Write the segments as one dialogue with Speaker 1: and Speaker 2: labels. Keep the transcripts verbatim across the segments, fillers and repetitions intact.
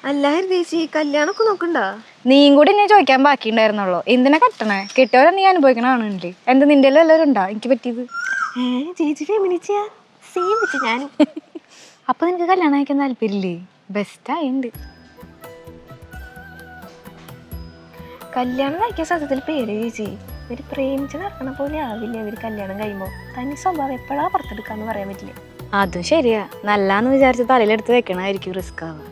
Speaker 1: അല്ല ചേച്ചി കല്യാണമൊക്കെ നോക്കണ്ടാ?
Speaker 2: നീയും കൂടി ഞാൻ ചോദിക്കാൻ ബാക്കിയുണ്ടായിരുന്നുള്ളൂ. എന്തിനാ കെട്ടണേ? കെട്ടിയവരെ നീ അനുഭവിക്കണാണല്ലേ. എന്താ നിന്റെ എല്ലാവരും ഉണ്ടാ എനിക്ക് പറ്റിയത്?
Speaker 1: ഏ ചേച്ചി ഫെമിനിറ്റിയാ? സെയിം വെച്ച് ഞാനും.
Speaker 2: അപ്പൊ നിനക്ക് കല്യാണം കഴിക്കാൻ താല്പര്യമില്ലേ? ബെസ്റ്റായിണ്ട്.
Speaker 1: കല്യാണം കഴിക്കാൻ സത്യത്തിൽ പേര് ചേച്ചി. ഇവര് പ്രേമിച്ച് നടക്കണ പോലെ ആവില്ല ഇവര് കല്യാണം കഴിയുമ്പോ. തനി സ്വഭാവം എപ്പോഴാ പുറത്തെടുക്കാന്ന് പറയാൻ പറ്റില്ല.
Speaker 2: അതും ശരിയാ. നല്ലാന്ന് വിചാരിച്ച് തലയിലെടുത്ത് വെക്കണായിരിക്കും റിസ്ക് ആവുക.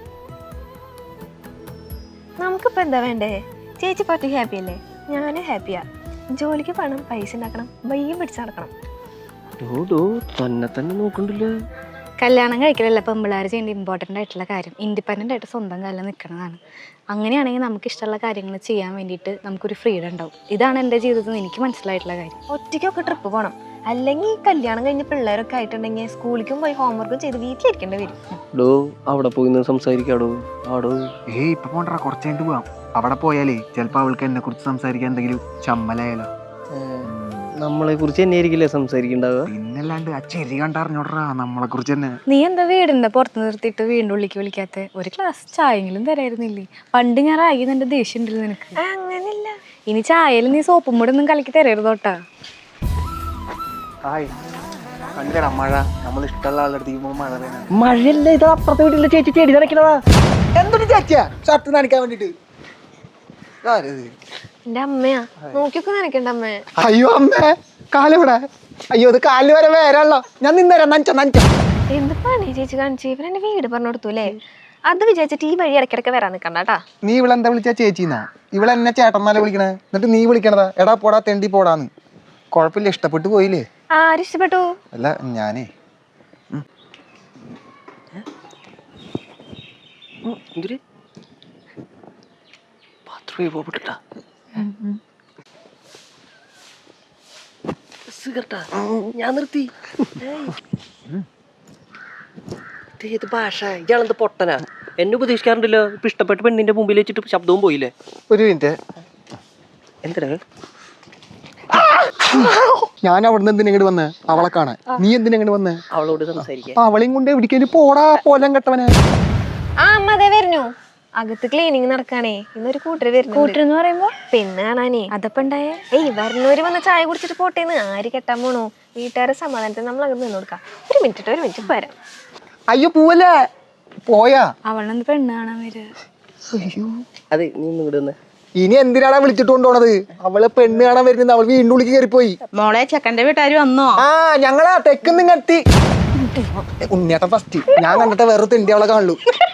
Speaker 1: നമുക്കിപ്പോ എന്താ വേണ്ടേ? ചേച്ചി പറ്റി ഹാപ്പി അല്ലേ? ഞാനും ഹാപ്പിയാ. ജോലിക്ക് പണം, പൈസ ഉണ്ടാക്കണം, വയ്യം പിടിച്ച് നടക്കണം.
Speaker 3: തന്നെ തന്നെ നോക്കണ്ടല്ലോ.
Speaker 2: കല്യാണം കഴിക്കലല്ല പെമ്പിള്ളേർ ചെയ്യേണ്ട ഇമ്പോർട്ടൻ്റ് ആയിട്ടുള്ള കാര്യം. ഇൻഡിപെൻഡൻ്റ് ആയിട്ട് സ്വന്തം കാലിൽ നിൽക്കുന്നതാണ്. അങ്ങനെയാണെങ്കിൽ നമുക്ക് ഇഷ്ടമുള്ള കാര്യങ്ങൾ ചെയ്യാൻ വേണ്ടിയിട്ട് നമുക്കൊരു ഫ്രീഡം ഉണ്ടാവും. ഇതാണ് എൻ്റെ ജീവിതത്തിൽ എനിക്ക് മനസ്സിലായിട്ടുള്ള കാര്യം.
Speaker 1: ഒറ്റയ്ക്കൊക്കെ ട്രിപ്പ് പോകണം. അല്ലെങ്കിൽ കല്യാണം കഴിഞ്ഞ പിള്ളേരൊക്കെ ആയിട്ടുണ്ടെങ്കിൽ സ്കൂളിലേക്കും പോയി ഹോംവർക്കും ചെയ്ത് വീട്ടിലിരിക്കേണ്ടി വരും.
Speaker 3: ഡോ അവിടെ പോയി സംസാരിക്കാടോ. ആടോ
Speaker 4: ഏയ് ഇപ്പൊ പോണ്ടാ, കുറച്ച് കഴിഞ്ഞിട്ട് പോവാം. അവിടെ പോയാലേ ചിലപ്പോ അവൾക്ക് എന്നെ കുറിച്ച് സംസാരിക്കാൻ എന്തെങ്കിലും ചമ്മലായാലോ.
Speaker 3: നമ്മളെ കുറിച്ച് തന്നെ ആയിരിക്കില്ലേ സംസാരിക്കണ്ടാവുക?
Speaker 4: പിന്നല്ലാണ്ട് ആ ചെരി കണ്ടറിഞ്ഞോടാ നമ്മളെ കുറിച്ച് തന്നെ.
Speaker 2: നീ എന്താ വീടിൻ്റെ പുറത്ത് നിർത്തിയിട്ട് വീണ്ടും ഉള്ളിലേക്ക് വിളിക്കാത്ത? ഒരു ഗ്ലാസ് ചായയെങ്കിലും തരായിരുന്നില്ലേ? പണ്ട് ഞാൻ റാഗി നിന്റെ ദേഷ്യം ഉണ്ടല്ലോ നിനക്ക്.
Speaker 1: അങ്ങനെയല്ല,
Speaker 2: ഇനി ചായയിൽ നീ സോപ്പും കൂടെ ഒന്നും കലക്കി തരരുതോട്ടാ.
Speaker 4: ഹായ് കണ്ടടാ മഴ. നമ്മൾ ഇഷ്ടമുള്ള ആളുടെ അടുത്തേക്ക് മഴ വേണം.
Speaker 3: മഴയല്ല, ഇത് അപ്പുറത്തെ വീട്ടിലെ ചേച്ചി ചെടി നനയ്ക്കണതാ.
Speaker 4: എന്തൊരു ചേച്ചിയാ ഷർട്ട് നനയ്ക്കാൻ വേണ്ടിട്ട്?
Speaker 1: എന്റെ അമ്മയാ. നോക്കിയൊക്കെ നനക്കണ്ട അമ്മേ.
Speaker 4: അയ്യോ അമ്മേ, കാലിവിടെ. അയ്യോ അത് കാലിൽ വരെ വേരല്ലോ. ഞാൻ നിന്നേരാ നനച്ച നനച്ച.
Speaker 1: എന്ത് പണി ചേച്ചി കാണിച്ചു? ഇവൻ എന്റെ വീട് പറഞ്ഞു കൊടുത്തു അല്ലേ? അത് വിചാരിച്ചിട്ട് ഈ വഴി ഇടയ്ക്കിടയ്ക്ക് വരാൻ നിക്കണ്ടാട്ടാ.
Speaker 4: നീ ഇവളെന്താ വിളിച്ചാ ചേച്ചിന്നാ? ഇവളെന്നെ ചേട്ടന്മാരെ വിളിക്കണേ. എന്നിട്ട് നീ വിളിക്കണതാ എടാ പോടാ തെണ്ടി പോടാന്ന്. കുഴപ്പമില്ല, ഇഷ്ടപ്പെട്ടു പോയില്ലേ?
Speaker 1: ആര് ഇഷ്ടപ്പെട്ടു?
Speaker 4: അല്ല ഞാനേ
Speaker 3: ഞാൻ നിർത്തി. ഏത് ഭാഷ? ഇയാളെന്ത് പൊട്ടനാ? എന്നെ ഉപദേശിക്കാറുണ്ടല്ലോ. ഇപ്പൊ ഇഷ്ടപ്പെട്ട പെണ്ണിന്റെ മുമ്പിൽ വെച്ചിട്ട് ശബ്ദവും പോയില്ലേ?
Speaker 4: ഒരു മിനിറ്റ്.
Speaker 3: എന്താ
Speaker 4: ഞാൻ അവിടുന്ന് എന്തിനാ ഇങ്ങോട്ട് വന്നേ? അവളെ കാണാൻ. നീ എന്തിനാ ഇങ്ങോട്ട് വന്നേ?
Speaker 3: അവളോട് സംസാരിക്കാൻ.
Speaker 4: അവളെയും കൊണ്ട് എവിടേക്കും പോടാ പോലം കെട്ടവനെ.
Speaker 1: ആ അമ്മ അതേ വരുന്നു. അകത്ത് ക്ലീനിങ് നടക്കാണേ. ഇന്നൊരു കൂട്ടര് വരുന്നു.
Speaker 2: കൂട്ടരെന്ന് പറയുമ്പോ
Speaker 1: പെണ്ണ് കാണാനേ.
Speaker 2: അതപ്പോ ഉണ്ടായേ?
Speaker 1: ഏയ് വരുന്നവര് വന്ന് ചായ കുടിച്ചിട്ട് പോട്ടേന്ന്. ആര് കെട്ടാൻ പോണു? വീട്ടുകാരെ സമാധാനത്തിന് നമ്മൾ അകത്ത് നിന്ന് കൊടുക്കാം. ഒരു മിനിറ്റ് ഒരു മിനിറ്റ് വരാം.
Speaker 4: അയ്യോ പോവല്ലേ, പോയാ?
Speaker 2: അവളെന്ത് പെണ്ണ് കാണാൻ വരിക?
Speaker 4: അയ്യോ
Speaker 3: അതെ, നീ ഇങ്ങോട്ട് വന്നേ.
Speaker 4: ഇനി എന്തിനാണ് വിളിച്ചിട്ട് കൊണ്ടുപോണത്? അവള് പെണ്ണ് കാണാൻ വരുന്നത്. അവൾ വീണ്ടും ഉള്ളിക്ക് കയറിപ്പോയി.
Speaker 5: മോളെ ചെക്കന്റെ വീട്ടുകാര് വന്നോ?
Speaker 4: ആ ഞങ്ങളാ തെക്കുന്ന് കത്തി. ഉണ്ണിയേട്ടൻ ഫസ്റ്റ്. ഞാൻ കണ്ടിട്ട് വേറെ തെണ്ടി അവളെ കാണുള്ളൂ.